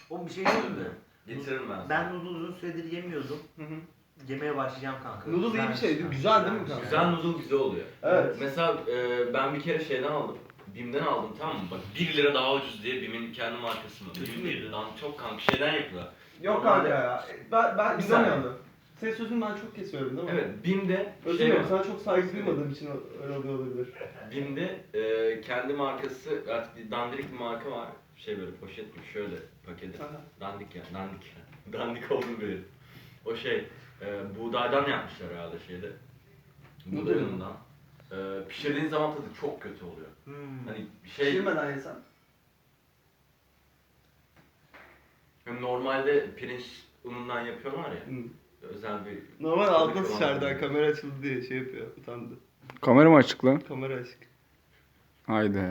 O bir şey değil mi? Getiririm ben. Ben noodle uzun süredir yemiyordum. Yemeye başlayacağım kanka. Noodle iyi bir şeydi. Güzel değil mi kanka? Güzel noodle güzel oluyor. Evet. Mesela ben bir kere şeyden aldım. BİM'den aldım, tamam mı? Bak 1 lira daha ucuz diye BİM'in kendi markası mı? BİM değil lan, çok kanka şeyden yapıyorlar. Yok kanka ya. Ben Bir izlemiyorum. Senin sözünü ben çok kesiyorum değil mi? Evet, BİM'de Özür dilerim, sana çok saygı duymadığım için öyle oluyor olabilir. BİM'de kendi markası, artık bir dandirik bir marka var. Şey böyle poşet gibi şöyle paketi. Aha. Dandik yani, dandik. Dandik olduğunu bilirim. O şey, buğdaydan yapmışlar herhalde şeyde. Buğday unundan. Pişirdiğin zaman tadı çok kötü oluyor. Hani şey... Pişirmeden yesen. Hem normalde pirinç unundan yapıyorlar ya. Özel bir... Normal tadı altına kıvamı sıçardı, oluyor. kamera açıldı diye şey yapıyor, utandı. Kamera mı açık lan? Kamera açık. Haydi.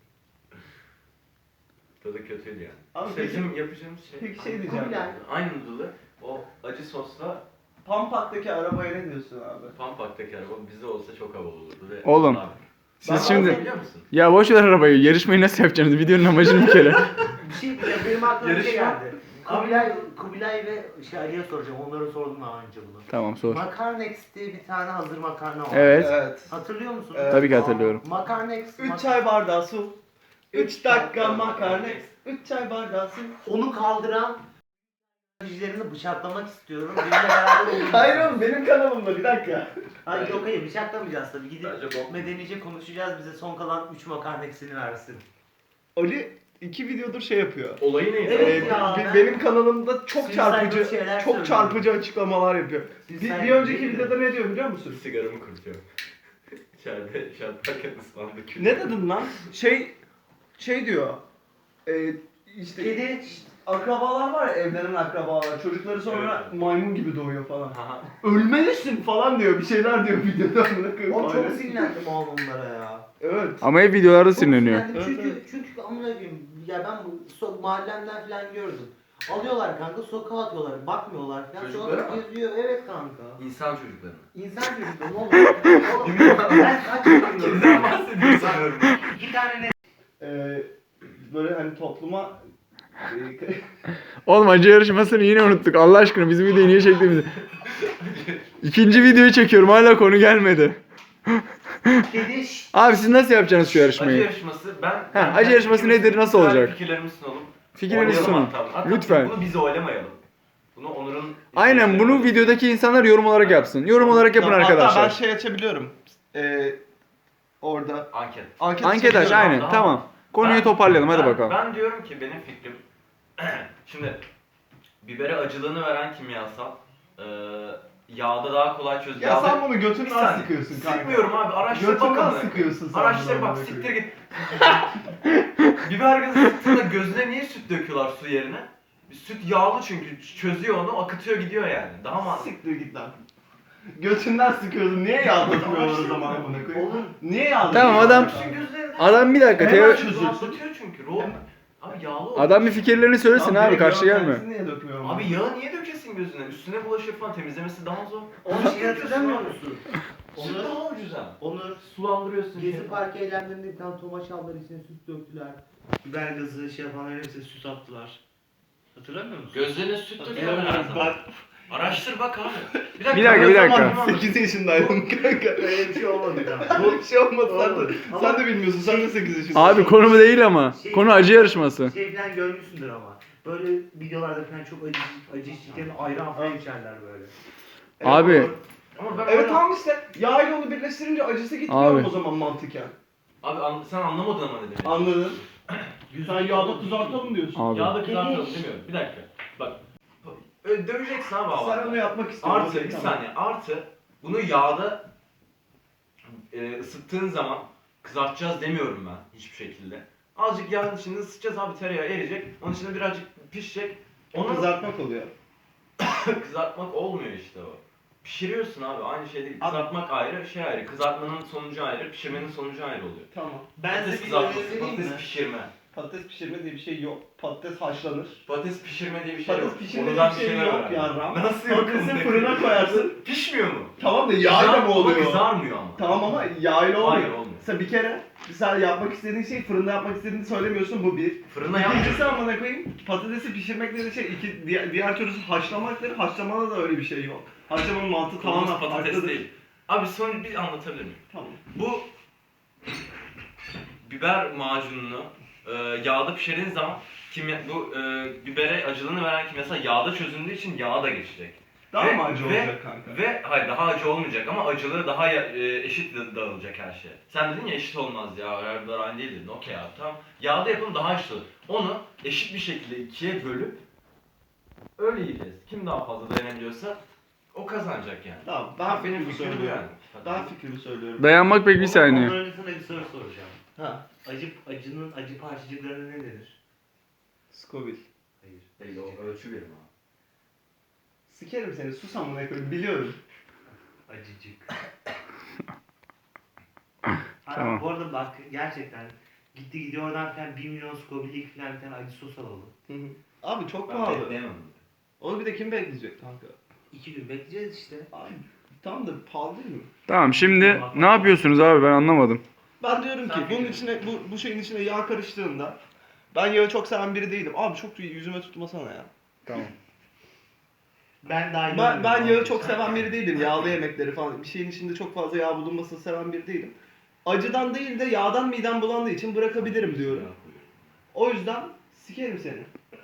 Tadı kötüydü yani. Abi İşte peki- bizim yapacağımız şey... Peki şey diyeceğim. Kubilay. Aynı noodle'ı o acı sosla Pampak'taki arabaya ne diyorsun abi? Pampak'taki araba bizde olsa çok havalı olurdu ve... Oğlum. Abi, Siz Ben şimdi... biliyor musun? Ya boş ver arabayı. Yarışmayı nasıl yapacaksınız? Videonun amacını bir kere. Bir şey diyeceğim, benim aklıma bir şey Yarışma. geldi. Kubilay ve Ali'ye soracağım. Onlara sordum daha önce bunu. Tamam sor. Makarnex diye bir tane hazır makarna var. Evet. Evet. Hatırlıyor musun? Evet. Tabii ki hatırlıyorum. Makarnex. 3 çay bardağı su. 3 dakika makarna. 3 çay bardağı su. Onu kaldıran yüzlerini bıçaklamak istiyorum. Benimle beraber olur. Hayır oğlum, benim kanalımda, bir dakika. Hayır yok hayır bıçaklamayacağız tabii. Gidip Bence bok. medenice konuşacağız. Bize son kalan 3 makarnex'ini versin. Ali 2 videodur şey yapıyor. Olayı neydi? Evet ya, ben- Benim kanalımda çok Suicidal çarpıcı şeyler çok söylüyorum. çarpıcı açıklamalar yapıyor. Suicidal Bir önceki değil mi? videoda ne diyor biliyor musun? Sigaramı kurutuyorum. İçeride şartlarken ıslandı kül. Ne dedin lan? Şey diyor. İşte Kedi akrabalar var ya, evlenen akrabalar. Çocukları sonra Evet. maymun gibi doğuyor falan. Aha. Ölmelisin falan diyor. Bir şeyler diyor videoda. Amına koyayım. o çok Aynen. sinirlendim oğlum onlara ya. Evet. Ama hep videolarda Çok sinirleniyor. sinirlendim Evet, çünkü, evet. çünkü amına koyayım ya ben bu mahallemden falan gördüm. Alıyorlar kanka sokağa atıyorlar, bakmıyorlar falan. Çocuklara Sonra mı? geziyor, evet kanka. İnsan çocuklarına. İnsan çocukları ne olur? Oğlum ben kaç yaşındayım? Kimden bahsediyorsun sanıyorum. 2 tane ne? Böyle hani topluma Oğlum acı yarışmasını yine unuttuk. Allah aşkına bizim videoyu niye çektiğimizi. İkinci videoyu çekiyorum. Hala konu gelmedi. Kedi Abi siz nasıl yapacaksınız şu Acı yarışmayı? yarışması acı yarışması nedir, nasıl olacak? Fikirlerimizi sunalım. Fikirlerinizi Oynayalım sunun. hatta. Lütfen. Bunu biz oylamayalım. Bunu Onur'un... Aynen bunu videodaki insanlar yorum olarak yapsın. Yorum olarak yapın Hatta ben arkadaşlar. şey açabiliyorum. Orada Anket. Anket aç açabiliyorum. aynen Tamam. tamam. Konuyu toparlayalım hadi bakalım. Ben diyorum ki benim fikrim... Şimdi bibere acılığını veren kimyasal yağda daha kolay çözülür. Ya sen bunu Bir götünden saniye. sıkıyorsun kanka. Sıkmıyorum abi, araştır bak Götünden amına sıkıyorsun sen. Araştır bunu bak, amına siktir koyayım. git. Biber gazı sıktığında gözüne niye süt döküyorlar su yerine? Süt yağlı çünkü çözüyor onu, akıtıyor gidiyor yani. Daha mantıklı. Siktir git lan. Götünden sıkıyorsun. Niye yağlatmıyorlar o zaman amına koyayım? Oğlum. Niye yağlatıyorlar? Tamam, adam- Bütün gözlerine Adam bir dakika Hemen teo- çözülsün. rahatlatıyor çünkü. Abi yağlı oldu. adam bir fikirlerini söylesin Tamam, abi direkt karşı yağı gelme. kendisi niye dökmüyor? Abi yağı niye dökesin gözüne? Üstüne bulaşır falan, temizlemesi daha zor. Onu şey hatırlamıyor musun? Süt daha ucuz ha. Onur Sulandırıyorsun. Gezi Parkı eylemlerinde bir tane tomaç aldılar içine süt döktüler. Biber gazı şey yapanların hepsine süt attılar. Hatırlamıyor musun? Gözlerine süt döküyorlar her zaman. Araştır bak abi. Bir dakika, bir dakika. 8 yaşındaydım kanka. Öyle bir şey olmadı kanka. Böyle bir şey olmadı. Olmadı. Sen de bilmiyorsun. Sen de 8 yaşındasın. Abi konu bu değil ama. Konu acı yarışması. Şey falan görmüşsündür ama. Böyle videolarda falan çok acı içtiklerini ayran falan içerler böyle. Abi Ama ben Evet öyle- tamam işte. Yağ ile onu birleştirince acısı gitmiyor Abi. o zaman mantıken. Abi sen anlamadın ama ne demek. Anladın. Sen yağda kızartalım diyorsun. Abi. Yağda kızartalım demiyorum. Bir dakika. Bak. Öyle döveceksin abi Sen abi. onu yapmak istiyorsun. Artı bir saniye. Artı bunu yağda ısıttığın zaman kızartacağız demiyorum ben hiçbir şekilde. Azıcık yağın içinde ısıtacağız abi, tereyağı eriyecek. Onun içinde birazcık pişecek. Onu Kızartmak oluyor. kızartmak olmuyor işte o. Pişiriyorsun abi, aynı şey değil. Abi- Kızartmak ayrı, şey ayrı. Kızartmanın sonucu ayrı, pişirmenin sonucu ayrı oluyor. Tamam. Ben Patates size bir kızartması, önereyim mi? patates pişirme. Patates pişirme diye bir şey yok. Patates haşlanır. Patates pişirme diye bir şey yok. Patates pişirme diye Ondan bir şey şeyler yok öğren. yarram. Nasıl yok? Patatesi fırına koyarsın. Pişmiyor mu? Tamam da yağ ile mi Ama oluyor? kızarmıyor ama. Tamam ama yağ ile olmuyor. Hayır olmuyor. Mesela bir kere sen yapmak istediğin şey fırında yapmak istediğini söylemiyorsun, bu bir. Fırında yapmıyorum. İkincisi amına koyayım, patatesi pişirmek dediğin şey diğer türlüsü haşlamaktır. Haşlamada da öyle bir şey yok. Haşlamanın mantığı Konumuz tamamen patates farklıdır. değil. Abi son bir anlatabilir miyim? Tamam. Bu biber macununu yağda pişirdiğin zaman bibere acılığını veren kimyasal yağda çözündüğü için yağa da geçecek. Daha mı acı olacak kanka? Ve hayır, daha acı olmayacak ama acılığı daha eşit dağılacak her şey. Sen dedin ya eşit olmaz ya, her biber aynı değil dedin. Okey abi, tamam. Yağda yapalım, daha eşit olur. Onu eşit bir şekilde ikiye bölüp öyle yiyeceğiz. Kim daha fazla dayanabiliyorsa o kazanacak yani. Tamam, ben Benim fikrimi fikrim bu söylüyorum. yani. Ben fikrimi söylüyorum. Dayanmak pek bir saniye. Ondan önce sana bir soru soracağım. Ha, Acının acı parçacıklarına ne denir? Scoville. Hayır. Değil, o ölçü birim abi. Sikerim seni, sus amına koyayım, biliyorum. Acıcık. Tamam. Bu arada bak gerçekten gidiyor oradan falan 1 milyon Scoville'lik falan bir tane acı sos alalım. Abi çok Ben pahalı. bekleyemem. Onu bir de kim bekleyecek kanka? 2 gün bekleyeceğiz işte. Abi tam da pahalı değil mi? Tamam şimdi ne yapıyorsunuz abi ben anlamadım. Ben diyorum ki Sen bunun fikrin. içine bu şeyin içine yağ karıştığında, ben yağı çok seven biri değilim. Abi çok yüzüme tutmasana ya. Tamam. Ben daha Ben yağı çok seven biri değilim. Yağlı yemekleri falan. Bir şeyin içinde çok fazla yağ bulunmasını seven biri değilim. Acıdan değil de yağdan midem bulandığı için bırakabilirim diyorum. O yüzden sikerim seni.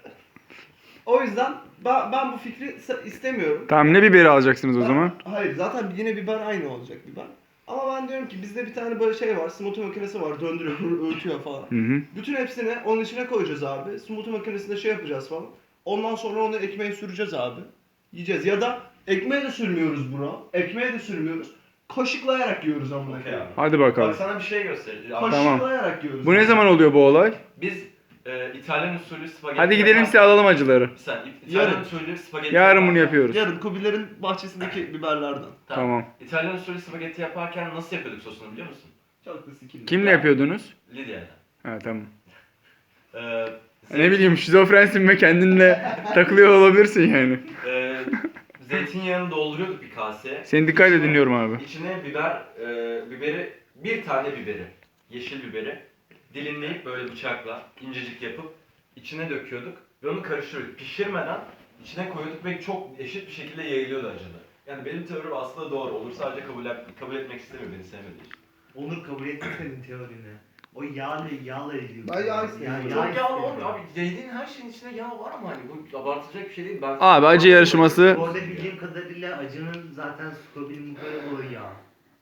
O yüzden ben bu fikri istemiyorum. Tamam ne biberi alacaksınız o zaman? Hayır, zaten yine biber aynı olacak biber. Ama ben diyorum ki bizde bir tane böyle şey var, smoothie makinesi var, döndürüyor, öğütüyor falan. Hı hı. Bütün hepsini onun içine koyacağız abi. Smoothie makinesinde şey yapacağız falan. Ondan sonra onu ekmeğe süreceğiz abi. Yiyeceğiz. Ya da ekmeğe de sürmüyoruz bro. Ekmeğe de sürmüyoruz. Kaşıklayarak yiyoruz amına Okey koyayım. abi. Hadi bakalım. Bak sana bir şey göstereceğim. Tamam. Kaşıklayarak yiyoruz. Bu ne zaman oluyor bu olay? Biz İtalyan usulü spagetti Hadi gidelim size alalım acıları. Sen İtalyan Yarın. usulü spagetti Yarın bunu yaparken- yapıyoruz. Yarın Kubilerin bahçesindeki biberlerden. Tamam. İtalyan usulü spagetti yaparken nasıl yapıyorduk sosunu biliyor musun? Çok da sikildi. Kimle yapıyordunuz? Lidya'da. Ha tamam. Ee, Ne bileyim şizofrensin ve kendinle takılıyor olabilirsin yani. Zeytinyağını dolduruyorduk bir kaseye. Seni dikkatle dinliyorum abi. İçine biberi, bir tane biberi, yeşil biberi dilimleyip böyle bıçakla incecik yapıp içine döküyorduk ve onu karıştırıyorduk. Pişirmeden içine koyuyorduk ve çok eşit bir şekilde yayılıyordu acılı. Yani benim teorim aslında doğru. Onur sadece kabul etmek istemiyor, beni sevmediği için. Onur kabul etti senin teorini. O yağla ilgili. Ben yağ istemiyorum. Çok yağlı olmuyor abi. Yediğin her şeyin içinde yağ var ama hani bu abartılacak bir şey değil. Ben Abi acı yarışması. Bu arada bildiğim kadarıyla acının zaten Scoville'in böyle o yağ.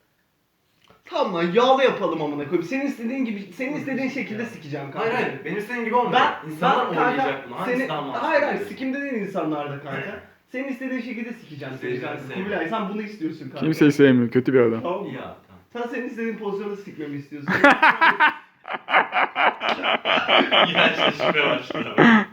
Tamam lan, yağlı yapalım amına koyayım. Senin istediğin gibi, senin istediğin şekilde sikeceğim kanka. Hayır, benim istediğim gibi olmuyor. İnsanlar oynayacak bunu. Hangisi daha mantıklı? Hayır, sikimde değil insanlar da kanka. Senin istediğin şekilde sikeceğim seni Seveceğim, kanka. seveceğim. Kubilay, sen bunu istiyorsun kanka. Kimseyi sevmiyor. Kötü bir adam. Tamam mı? Ya tamam. Sen senin istediğin pozisyonda sikmemi istiyorsun. İğrençleşmeye başladı.